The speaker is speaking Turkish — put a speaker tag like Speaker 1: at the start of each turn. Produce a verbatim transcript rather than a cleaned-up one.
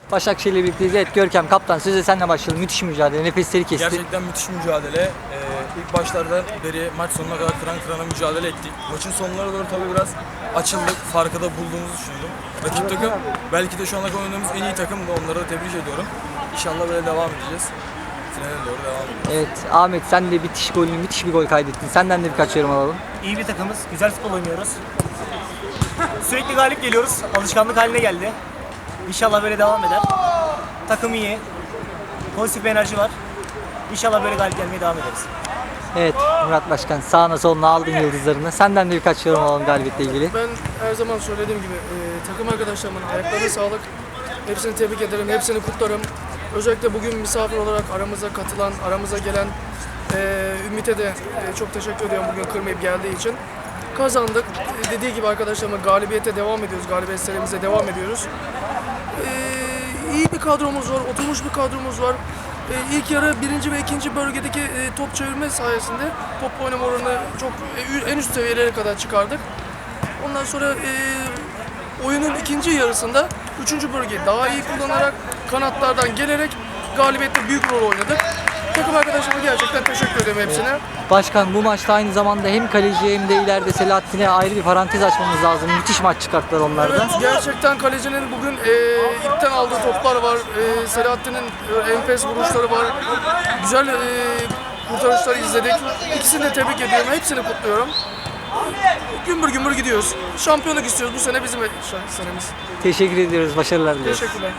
Speaker 1: Başakşehir'le birlikteyiz. Evet Görkem kaptan sözü senle başlayalım. Müthiş mücadele, nefesleri kesti.
Speaker 2: Gerçekten müthiş mücadele. Ee, ilk başlardan beri maç sonuna kadar kıran kırana mücadele ettik. Maçın sonlarına doğru tabii biraz açıldık. Farkı da bulduğumuzu düşündüm. Rakip takım belki de şu ana kadar oynadığımız en iyi takım da, onları da tebrik ediyorum. İnşallah böyle devam edeceğiz. Finale doğru devam edeceğiz.
Speaker 1: Evet Ahmet sen de bitiş golünü, müthiş bir gol kaydettin. Senden de birkaç yorum alalım.
Speaker 3: İyi bir takımız, güzel futbol oynuyoruz. Sürekli galip geliyoruz, alışkanlık haline geldi. İnşallah böyle devam eder. Takım iyi, pozitif bir enerji var. İnşallah böyle galip gelmeye devam ederiz.
Speaker 1: Evet Murat Başkan sağına soluna aldın yıldızlarını. Senden de birkaç yorum alalım galibiyetle ilgili.
Speaker 4: Ben her zaman söylediğim gibi e, takım arkadaşlarımın ayaklarına sağlık. Hepsini tebrik ederim, hepsini kutlarım. Özellikle bugün misafir olarak aramıza katılan, aramıza gelen e, Ümit'e de e, çok teşekkür ediyorum bugün kırmayıp geldiği için. Kazandık. E, dediği gibi arkadaşlarımla galibiyete devam ediyoruz, galibiyet serimize devam ediyoruz. E, iyi bir kadromuz var, oturmuş bir kadromuz var. E, ilk yarı birinci ve ikinci bölgedeki e, top çevirme sayesinde top oynama oranını çok e, en üst seviyelere kadar çıkardık. Ondan sonra e, oyunun ikinci yarısında üçüncü bölgeyi daha iyi kullanarak kanatlardan gelerek galibiyette büyük rol oynadık. Takım arkadaşlarıma gerçekten teşekkür ederim hepsine.
Speaker 1: Başkan bu maçta aynı zamanda hem kaleciye hem de ileride Selahattin'e ayrı bir parantez açmamız lazım. Müthiş maç çıkarttılar onlar da.
Speaker 4: Evet, gerçekten kalecinin bugün e, ipten aldığı toplar var. E, Selahattin'in e, enfes vuruşları var. Güzel e, kurtarışları izledik. İkisini de tebrik ediyorum. Hepsini kutluyorum. Gümbür gümbür gidiyoruz. Şampiyonluk istiyoruz. Bu sene bizim senemiz.
Speaker 1: Teşekkür ediyoruz. Başarılar diliyoruz.
Speaker 4: Teşekkürler.